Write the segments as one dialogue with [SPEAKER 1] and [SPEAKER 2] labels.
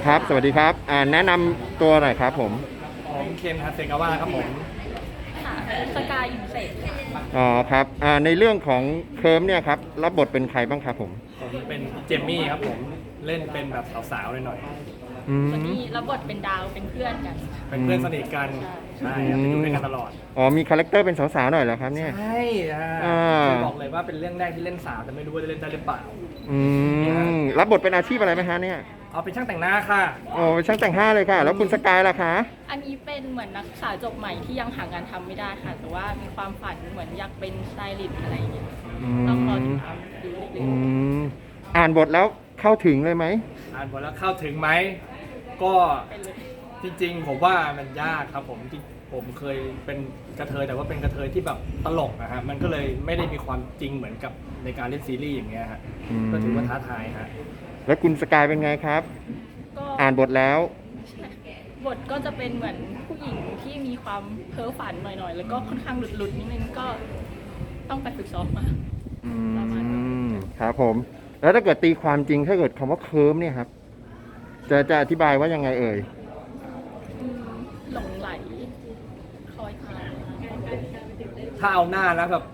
[SPEAKER 1] ครับสวัสดีครับแนะนำตัวหน่อยครับผม
[SPEAKER 2] ผมเคนฮาเซกาวะครับผม
[SPEAKER 3] ค่ะสกายอินเสก
[SPEAKER 1] อ๋อครับในเรื่องของเคิร์มเนี่ยครับรับบทเป็นใครบ้างครับผม
[SPEAKER 2] เป็นเจมมี่ครับผมเล่นเป็นแบบสาวๆหน่อย
[SPEAKER 3] วันนี้รับบทเป็นดาวเป็นเพื่อนกัน
[SPEAKER 2] เป็นเพื่อนสนิทกันใช่ครับอยู่ด้วยกันตลอด
[SPEAKER 1] มีคาแรคเตอร์เป็นสาวๆหน่อยเหรอครับเนี่ย
[SPEAKER 2] ใช่บอกเลยว่าเป็นเรื่องแรกที่เล่นสาวแต่ไม่รู้ว่าจะเล่นได้หรือเปล่า
[SPEAKER 1] รับบทเป็นอาชีพอะไรไหมฮะเนี่ย
[SPEAKER 2] เป็นช่างแต่งหน้าค่ะ
[SPEAKER 1] เป็นช่างแต่งหน้าเลยค่ะแล้วคุณสกายล่ะคะ
[SPEAKER 3] อันนี้เป็นเหมือนนักศึกษาจบใหม่ที่ยังหางานทำไม่ได้ค่ะแต่ว่ามีความฝันเหมือนอยากเป็นสไตลิสต์อะไรอย่างเงี้ยต้องรอติดตามดูเรื่อย
[SPEAKER 1] อ่านบทแล้วเข้าถึงเลยไหม
[SPEAKER 2] อ่านบทแล้วเข้าถึงไหมก็จริงๆผมว่ามันยากครับผมเคยเป็นกระเทยแต่ว่าเป็นกระเทยที่แบบตลกนะฮะมันก็เลยไม่ได้มีความจริงเหมือนกับในการเล่นซีรีส์อย่างเงี้ยฮะก็ถือว่าท้าทายฮะ
[SPEAKER 1] แล้วคุณสกายเป็นไงครับอ่านบทแล้ว
[SPEAKER 3] บทก็จะเป็นเหมือนผู้หญิงที่มีความเพ้อฝันหน่อยๆแล้วก็ค่อนข้างหลุดๆนิดนึงก็ต้องไปฝึกซ้อมมาประมาณ
[SPEAKER 1] ครับผมแล้วถ้าเกิดตีความจริงถ้าเกิดคำว่าเคิร์มเนี่ยครับจะอธิบายว่ายังไงเอ่ย
[SPEAKER 3] หลงไหลคอยทาน
[SPEAKER 2] ถ้าเอาหน้าแล้วแบบ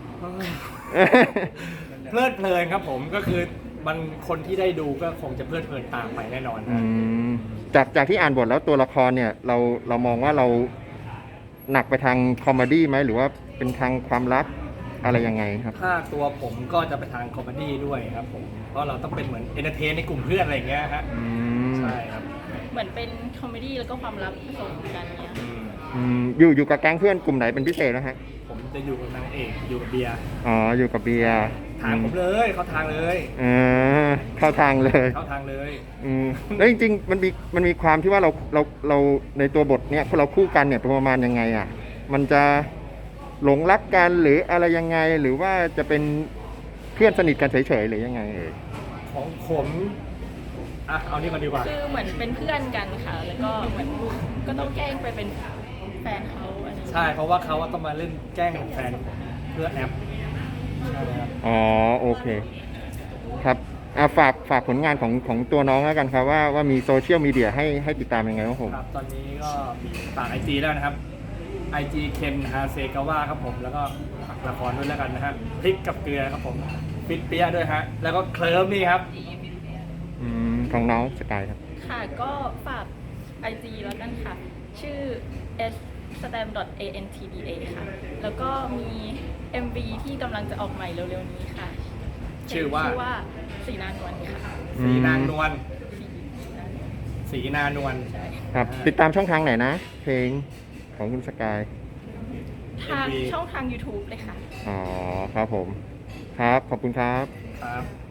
[SPEAKER 2] เพลิดเพลินครับผมก็คือมันคนที่ได้ดูก็คงจะเพลิดเพลินตามไปแน่นอน
[SPEAKER 1] จากที่อ่านบทแล้วตัวละครเนี่ยเรามองว่าเราหนักไปทางคอมเมดี้ไหมหรือว่าเป็นทางความรักอะไรยังไงครับ
[SPEAKER 2] ถ้าตัวผมก็จะไปทางคอมเมดี้ด้วยครับผมเพราะเราต้องเป็นเหมือนเอนเตอร์เทนในกลุ่มเพื่อนอะไรอย่างเงี้ยฮะใช่ครับ
[SPEAKER 3] เหมือนเป็นคอมเมดี้แล้วก็ความลับผสมกันเนี้ย
[SPEAKER 1] อยู่กับแก๊งเพื่อนกลุ่มไหนเป็นพิเศษนะฮะ
[SPEAKER 2] ผมจะอยู่กับนางเอกอยู่กับเบียร์
[SPEAKER 1] อยู่กับเบียร์
[SPEAKER 2] ทางผมเลยเข้าทางเลย
[SPEAKER 1] เข้าทางเลยแล้วจริงๆมันมีความที่ว่าเราในตัวบทเนี่ยเราคู่กันเนี่ยประมาณยังไงอ่ะมันจะหลงรักกันหรืออะไรยังไงหรือว่าจะเป็นเพื่อนสนิทกันเฉยๆหรือยังไง
[SPEAKER 2] ของผมเอานี่มาดีกว่า
[SPEAKER 3] คือเหมือนเป็นเพื่อนกันค่ะแล้วก็เหมือนก็ต้องแกล้งไปเป็นแฟนเขา
[SPEAKER 2] ใช่เพราะว่าเขาต้องมาเล่นแกล้งแฟนเพื่อแอป
[SPEAKER 1] โอเคครับฝากผลงานของตัวน้องแล้วกันครับว่ามีโซเชียลมีเดียให้ติดตามยังไงครับผม
[SPEAKER 2] ตอนนี้ก็มีฝาก IG แล้วนะครับ IG เคนฮาเซกาวะครับผมแล้วก็ละครด้วยแล้วกันนะฮะพริกกับเกลือครับผมฟิตเปียด้วยฮะแล้วก็เคลิ้มนี่ครับ
[SPEAKER 1] ของน้องสกายครับ
[SPEAKER 3] ค่ะก็ฝาก IG แล้วกันค่ะชื่อ stam.antba ค่ะแล้วก็มี MV ที่กำลังจะออกใหม่เร็วๆนี้ค่ะ
[SPEAKER 2] ชื่อว่า
[SPEAKER 3] สีนานวลค่ะ
[SPEAKER 2] สีนานวลสีนานวล
[SPEAKER 1] ครับติดตามช่องทางไหนนะเพลงของคุณสกาย
[SPEAKER 3] ทางช่องทาง YouTube เลยค่ะ
[SPEAKER 1] ครับผมครับขอบคุณครับ
[SPEAKER 2] ครับ